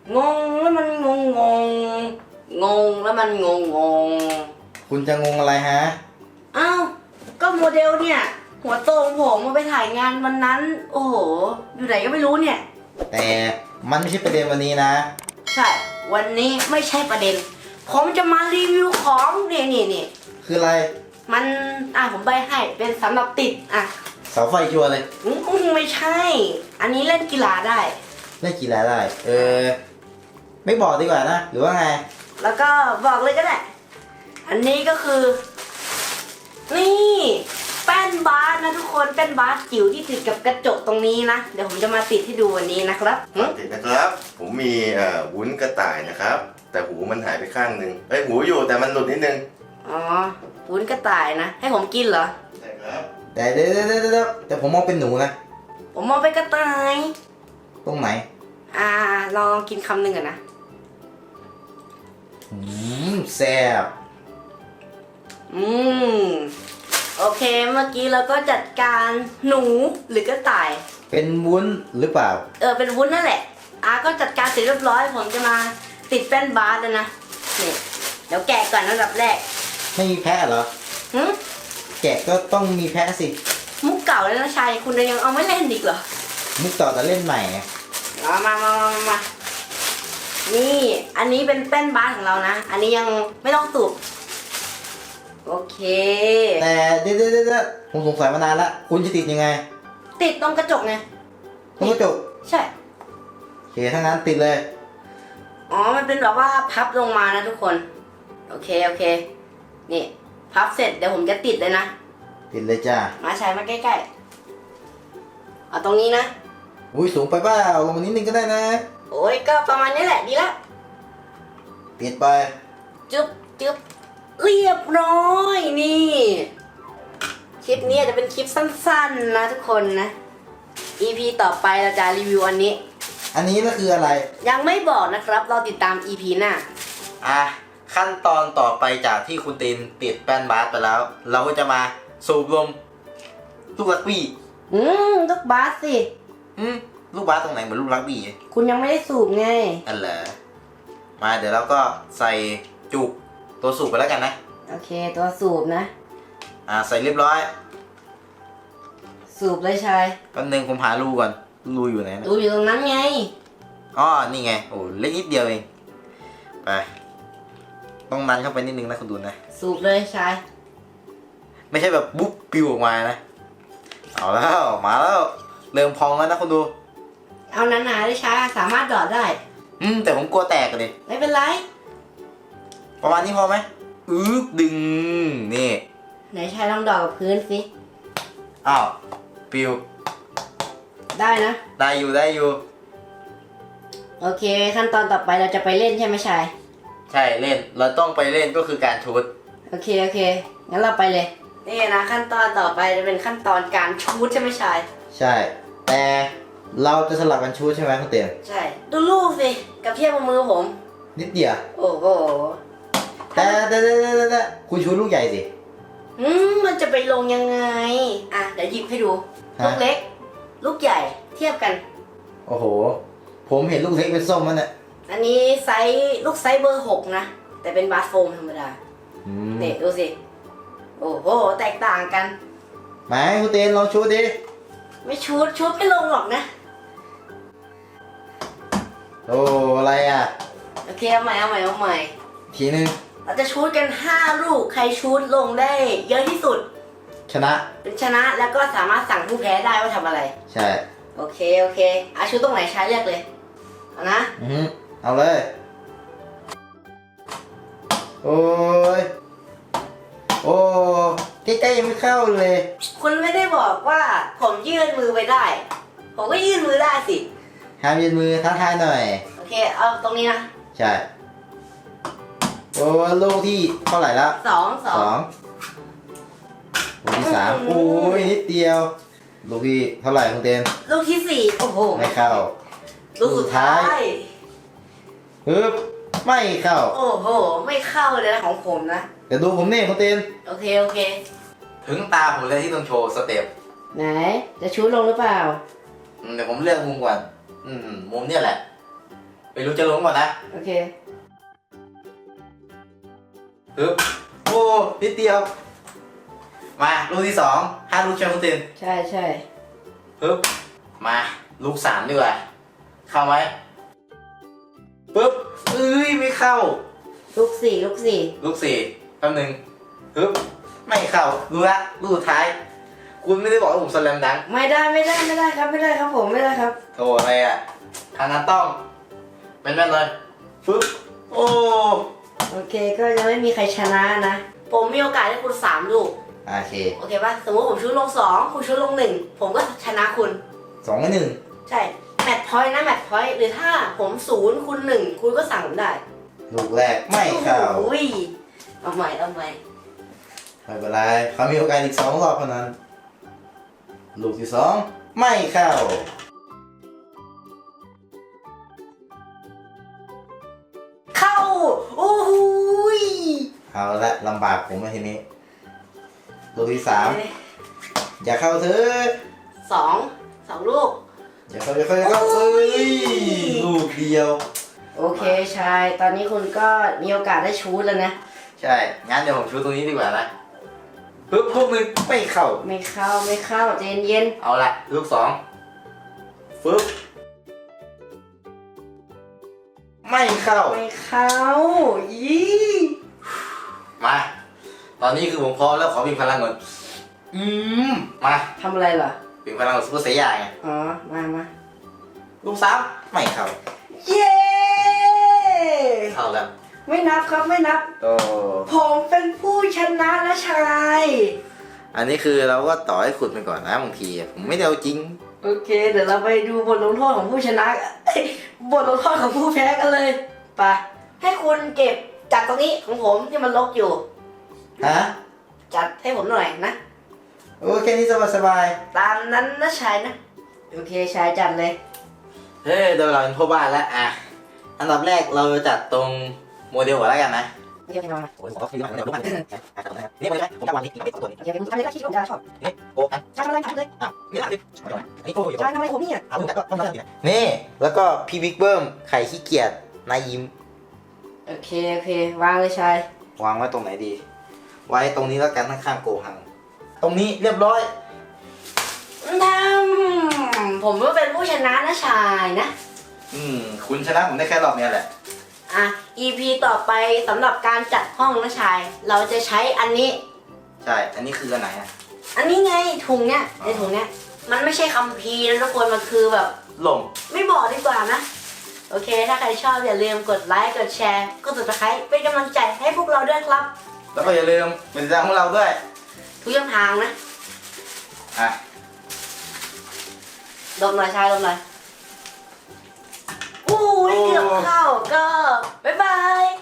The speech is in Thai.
งงแล้วมันงงงงงงแล้วมันงงงงคุณจะงงอะไรฮะอ้าวก็โมเดลเนี่ยหัวโตของผมมาไปถ่ายงานวันนั้นโอ้โหอยู่ไหนก็ไม่รู้เนี่ยแต่มันไม่ใช่ประเด็นวันนี้นะใช่วันนี้ไม่ใช่ประเด็นผมจะมารีวิวของนี่คืออะไรมันผมใบให้เป็นสำหรับติดเสาไฟชัวร์เลยไม่ใช่ อันนี้เล่นกีฬาได้เล่นกีฬาได้ไม่บอกดีกว่านะหรือว่าไงแล้วก็บอกเลยก็ได้อันนี้ก็คือนี่แป้นบาสนะทุกคนแป้นบาสจิ๋วที่ติดกับกระจกตรงนี้นะเดี๋ยวผมจะมาติดให้ดูวันนี้นะครับติดนะครับผมมีวุ้นกระต่ายนะครับแต่หูมันหายไปข้างหนึ่งหูอยู่แต่มันหลุดนิดนึงอ๋อวุ้นกระต่ายนะให้ผมกินเหรอใช่ครับแต่แต่ผมมองเป็นหนูนะผมมองเป็นกระต่ายตรงไหนลองกินคำหนึ่งก่อนนะแซ่บโอเคเมื่อกี้เราก็จัดการหนูหรือกระต่ายเป็นวุ้นหรือเปล่าเป็นวุ้นนั่นแหละก็จัดการเสร็จเรียบร้อยผมจะมาติดแป้นบาสแล้วนะนี่เดี๋ยวแกะก่อนอันดับแรกไม่มีแพะเหรอแกะก็ต้องมีแพะสิมุกเก่าแล้วนะชายคุณยังเอาไม่เล่นอีกเหรอมุกต่อแต่เล่นใหม่ไงมานี่อันนี้เป็นแป้นบาสของเรานะอันนี้ยังไม่ต้องสูบโอเคแต่เดี๋ยวผมสงสัยมานานละคุณจะติดยังไงติดตรงกระจกไงตรงกระจกใช่โอเคถ้างั้นติดเลยมันเป็นแบบว่าพับลงมานะทุกคนโอเคนี่พับเสร็จเดี๋ยวผมจะติดเลยนะติดเลยจ้ามาใช้มาใกล้ๆเอาตรงนี้นะอุ้ยสูงไปเปล่าลงมานิดนึงก็ได้นะโอ้ยก็ประมาณนี้แหละดีละติดไปจึ๊บเรียบร้อยนี่คลิปนี้จะเป็นคลิปสั้นๆนะทุกคนนะ EP ต่อไปเราจะรีวิวอันนี้ก็คืออะไรยังไม่บอกนะครับเราติดตาม EP หน้าขั้นตอนต่อไปจากที่คุณตีนติดแป้นบาสไปแล้วเราก็จะมาสูบลมลูกรักบี้ลูกบาสสิลูกบาสตรงไหนเหมือนลูกรักบี้คุณยังไม่ได้สูบไงเหรอมาเดี๋ยวเราก็ใส่จุกตัวสูบไปแล้วกันนะโอเคตัวสูบนะใส่เรียบร้อยสูบเลยชายแป๊บนึงผมหารูก่อนรูอยู่ไหนรูอยู่ตรงนั้นไงนี่ไงโอ้เล็กนิดเดียวเองไปต้องนันเข้าไปนิดนึงนะคุณดูนะสูบเลยชายไม่ใช่แบบบุ๊บปิวออกมานะเอาแล้วมาแล้วเริ่มพองแล้วนะคุณดูเอาหนาๆเลยชายสามารถดอดได้แต่ผมกลัวแตกเลยไม่เป็นไรประมาณนี้พอไหมดึงนี่ไหนชายลองดอดกับพื้นสิปิวได้นะได้อยู่โอเคขั้นตอนต่อไปเราจะไปเล่นใช่ไหมชายใช่เล่นเราต้องไปเล่นก็คือการชูตโอเคงั้นเราไปเลยนี่นะขั้นตอนต่อไปจะเป็นขั้นตอนการชูตใช่ไหมชายใช่แต่เราจะสลับกันชูตใช่ไหมคุณเตียนใช่ดูลูกสิกับเทียบกับมือผมนิดเดียวโอ้โหแต่คุณชูตลูกใหญ่สิมันจะไปลงยังไงเดี๋ยวหยิบให้ดูลูกเล็กลูกใหญ่เทียบกันโอ้โหผมเห็นลูกเล็กเป็นส้มมันเนี่ยอันนี้ลูกไซส์เบอร์ 6นะแต่เป็นบาสโฟมธรรมดาเนี่ยดูสิโอ้โหแตกต่างกันไหนคุณเตียนลองชูตดิไม่ชุดไม่ลงหรอกนะโอ้อะไรโอเคเอาใหม่ทีนึงเราจะชูตกัน5ลูกใครชูตลงได้เยอะที่สุดชนะเป็นชนะแล้วก็สามารถสั่งผู้แพ้ได้ว่าทำอะไรใช่โอเคชูตตรงไหนใช้เลือกเลยเอานะเอาเลยโอ้ใกล้ๆยังไม่เข้าเลยคุณไม่ได้บอกว่าผมยื่นมือไปได้ผมก็ยื่นมือได้สิห้ามยื่นมือท้าทายหน่อยโอเคเอาตรงนี้นะใช่ลูกที่เท่าไหร่แล้วสองลูกที่3นิดเดียวลูกที่เท่าไหร่คุณเต้นลูกที่4โอ้โหไม่เข้าลูกสุดท้ายไม่เข้าโอ้โหไม่เข้าเลยนะของผมนะเดี๋ยวดูผมนี่คุณเต้นโอเคถึงตาผมเลยที่ต้องโชว์สเต็ปไหนจะชูลงหรือเปล่าเดี๋ยวผมเลือกมุมก่อนมุมเนี่ยแหละไม่รู้จะลงก่อนนะโอเคปึ๊บโอ้นิดเดียว มาลูกที่2 5 ลูกใช่ไหมคุณตินใช่ใช่ปึ๊บมาลูก3ดีกว่าเข้าไหมปึ๊บเอ้ยไม่เข้าลูกสี่ลูก4แป๊บนึงปึ๊บไม่เข้าดูละลูกสุดท้าย คุณไม่ได้บอกว่าผมสแลมดังก์ไม่ได้ครับไม่ได้ครับผมไม่ได้ครับโธ่อะไรอ่ะทางนั้นต้องแม่นๆเลยปึ๊บโอ้โอเคก็ยังไม่มีใครชนะนะ ผมมีโอกาสให้คุณ3ลูกโอเคโอเคป่ะ สมมติผมชุดลง2คุณชุดลง1ผมก็ชนะคุณ 2-1 ใช่ แมตช์พอยต์นะแมตช์พอยต์หรือถ้าผม0คุณ1คุณก็สั่งผมได้ลูกแรกไม่เข้าโอ้ยเอาใหม่ไม่เป็นไรเขามีโอกาสอีก2 รอบเท่านั้น ลูกที่2ไม่เข้าเข้า โอ้โหยเอาละลำบากผมมาทีนี้ ลูกที่3อย่าเข้าเถอะ 2 ลูกอย่าเข้าเอ้ยลูกเดียวโอเคชาย ตอนนี้คุณก็มีโอกาสได้ชูดแล้วนะใช่ งั้นเดี๋ยวผมชูตรงนี้ดีกว่านะปึ๊บลูกหนึ่งไม่เข้าไม่เข้าใจเย็นเอาละลูก2ปึ๊บไม่เข้าๆไม่เข้ายี่มา ตอนนี้คือผมพร้อมแล้วขอพิมพ์พลังก่อนมาทำอะไรเหรอพิมพ์พลังกับซุปเปอร์เซียไงอ๋อ มาลูก3ไม่เข้าเย้เข้าแล้วไม่นับครับไม่นับโอ้ผมเป็นผู้ชนะนะชายอันนี้คือเราก็ต่อให้ขุดไปก่อนนะบางทีผมไม่ได้เอาจริงโอเค เดี๋ยวเราไปดูบทลงโทษของผู้ชนะ บทลงโทษของผู้แพ้กันเลยไปให้คุณเก็บจัดตรงนี้ของผมที่มันรกอยู่ฮะจัดให้ผมหน่อยนะโอ้แค่นี้สบายตามนั้นนะชายนะ โอเคชายจัดเลยๆเฮ้ยเดี๋ยวเราเป็นพ่อบ้านแล้วอ่ะอันดับแรกเราจะจัดตรงโมเดลก่อนแล้วกันนะโอเคมาโอ้ยผมก็คือมันเดี๋ยวรู้มันนี่มันเลยผมจะวางนี้อีก2ตัวนี้โอเคคุณทำอะไรก็คิดว่าผมจะชอบนี่โอ้อันชายทำอะไรทำเลยอ้าวนี่ละดินี่โอ้ยชายทำอะไรผมเนี่ยเอาก็ต้องนี่แล้วก็พี่บิ๊กเบิ้มไข่ขี้เกียจนายยิ้มโอเค วางเลยชายวางไว้ตรงไหนดี ไว้ตรงนี้แล้วกันข้างๆโกหัง ตรงนี้เรียบร้อยผมก็เป็นผู้ชนะนะชายนะคุณชนะผมได้แค่รอบนี้แหละอ่ะ EP ต่อไปสำหรับการจัดห้องนะชาย เราจะใช้อันนี้ใช่ อันนี้คืออันไหนอ่ะอันนี้ไงถุงเนี้ยในถุงเนี้ย มันไม่ใช่คัมภีร์นะทุกคนมันคือแบบลมไม่บอกดีกว่านะ โอเค ถ้าใครชอบอย่าลืมกดไลค์กดแชร์กด subscribe เป็นกำลังใจให้พวกเราด้วยครับแล้วก็อย่าลืมเป็นติดตามของเราด้วยทุกช่องทางนะอ่ะดมหน่อยชายดมหน่อยอู้ยเกือบเข้าก็บ๊ายบาย